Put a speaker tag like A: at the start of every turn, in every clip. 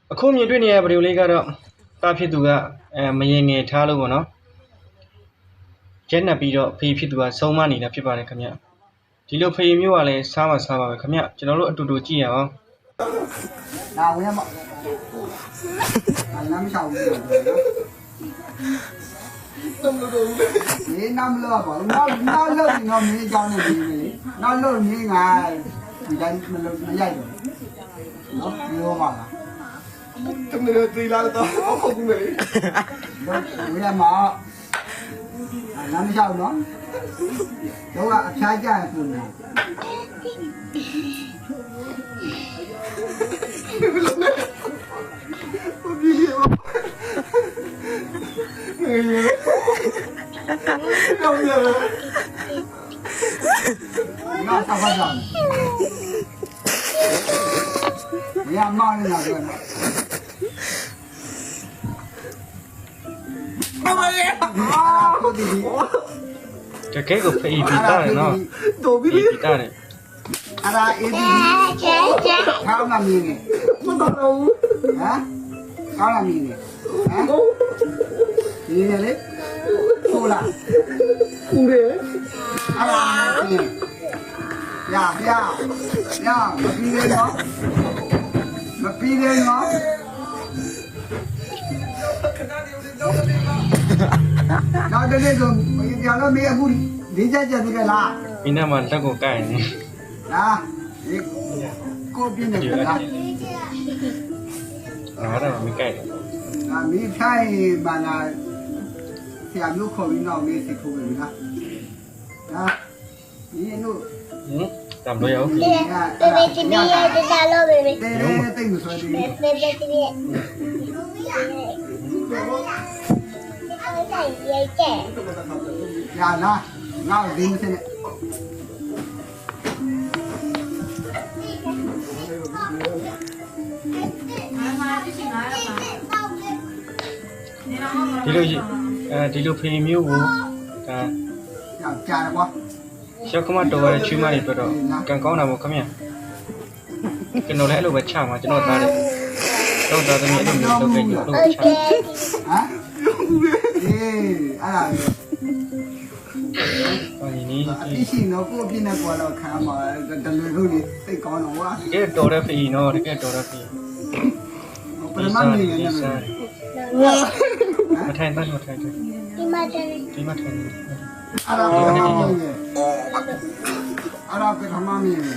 A: အခုမြင်တွေ့နေရဗီဒီယိုလေးကတော့တာဖြစ်သူကမရင်ငယ်ထားလို့ပေါ့နော်ရက်နှက်ပြီးတော့ဖေးဖြစ်သူကဆုံးမနေတာဖြစ်ပါတယ်ခင်ဗျဒီလိုဖေးမျိုးကလည်းစားပါပဲခင်ဗျကျွန်တော်တို့အတူတူကြည့်ရအောင်
B: နာဝင်မနာမချောင်းဘူးနော်နမ်လို့နော်လို့နော်မင်းကြောင်းနေပြီနော်လို့မင်းကဒီတိုင်းမလို့မရိုက်တော့နော်ပြောပါလားတမလို့တီလာတော့ဟုတ်ဘူးလေဝင်ရမှာနာမချောင်းနော်တော့အဖျားကြရခုနော်那啥话讲？你要骂人哪个？妈妈呀！啊，我弟弟。
A: 这给个飞比大的呢，比大的。
B: 啊啦，一弟弟。他那米呢？我懂了。啊？他那米呢？啊？你呢嘞？哭了。哭嘞？啊啦，你。呀，မပြီးသေးနော်မပြီးသေးနော်နောက်တနေ့ဆိုကြာတော့မင်းအခုဒီချက်ချက်သေးလား
A: ဒီနေ့မှလက်ကိုကိုက်နေ
B: လားဒီကိုပြင်းနေလား
A: ငါတော့မကိုက်ဘူး
B: မင်းထိုင်မှာလားဆရာမျိုးခေါ်ပြီးတော့မင်းစိတ်ထိုးပြီလားဒီတို့
A: တမ်လို့ရအောင်
C: ဘေဘေတီဗီရဲ့တက်လို့ဘေဘေ
B: တိတ်မဆွဲသေးဘူး
C: ဘေဘေတီဗီရဲ့ရိုက်တယ်
B: ရလားငါ့ဒီမစနဲ့
A: ဒီလိုဖေးမျိုးကိုဒါ
B: ကြာတယ်ကွာ
A: ရောက်ခမတော်ရဲ့ချွေးမတွေပြတော့ကန်ကောင်းတာပေါ့ခင်ဗျကျွန်တော်လည်းအဲ့လိုပဲချမှာကျွန်တော်သားတယ်တော့သားသမီးအဲ့လိုမျိုးလုပ်ခဲ့ကြလို့ချဟမ်
B: အေးအဲ့ဒါ
A: အော်ဒီနေ့
B: အပြစ်ရှိတော့ကိုအပြစ်နဲ့ကွာတော့ခံမှာတလူတို့လေးစိတ်ကောင်းတော့ကွာ
A: တကယ်တော်တဲ့ဖေးနော်တကယ်တော်တဲ့ဖေး
B: ပရမတ်နေနေတယ်
A: မထိုင်တော့ထိုင်တယ်
C: ဒီမှာတယ်
A: ဒီမှာထိုင်တယ်
B: အဲ့ဒါအဲ့ဒါကထမမင်း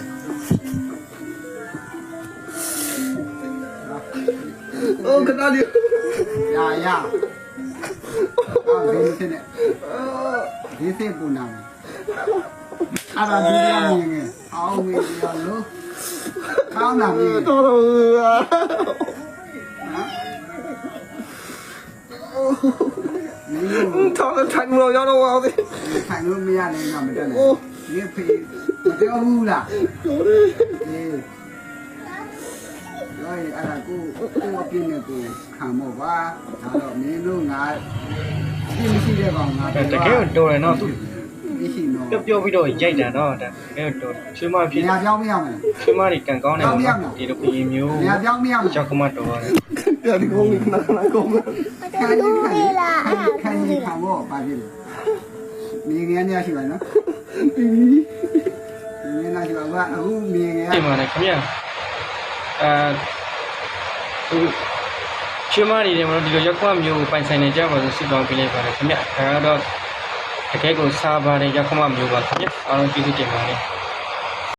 B: โอ้ခဏလေးရအော်ဒီစနေဒီစေပူနာအဲ့ဒါဒီရမင်းငယ်အောင်းမင်းရလို့ကောင်းတာမင်းတော်တော်ထောက်ထိုင်လို့ရတော့အောင်ထိုင်လို့မရနိုင်တော့မတက်နဲ့ဒီဖေးမပြောဘူးလားပြောတယ်အေးရိုင်းအဲ့ဒါကိုပြင်းနေကိုခံမောပါဒါတော့မင်းတို့ငါပြင်းမရှိတဲ့ကောင်ငါ
A: တကယ်တော်တယ်နော်သူ
B: မရှိတော့
A: ပြောပြီးတော့ရိုက်တာနော်ဒါတကယ်တော်ချွေးမဖြစ်
B: နေရာပြောင်းမရမယ်
A: ချွေးမတွေကန်ကောင်းတယ်ပေါ့နော်ဒီလိုဖေးမျိုး
B: နေရာပြောင်းမရမယ်
A: ကြောက်ခမတော်ရတယ်
B: ပြဒီကုန်းလေးနာကုန်းခံကြီးခံဖို့ပါပြီမြေငယ်နေရရှိပါနော်မြေငယ်ရှိပါကအခုမြေငယ်
A: ဒီမှာလည်းခင်ဗျသူချွေးမတွေတယ်မလို့ဒီလိုရောက်ခွမျိုးပိုင်ဆိုင်နေကြပါဆိုစစ်တောင်းပေးလိုက်ပါတယ်ခင်ဗျဒါကတော့တကယ်ကိုစားပါတယ်ရောက်ခွမျိုးပါခင်ဗျအားလုံးကျေးဇူးတင်ပါတယ်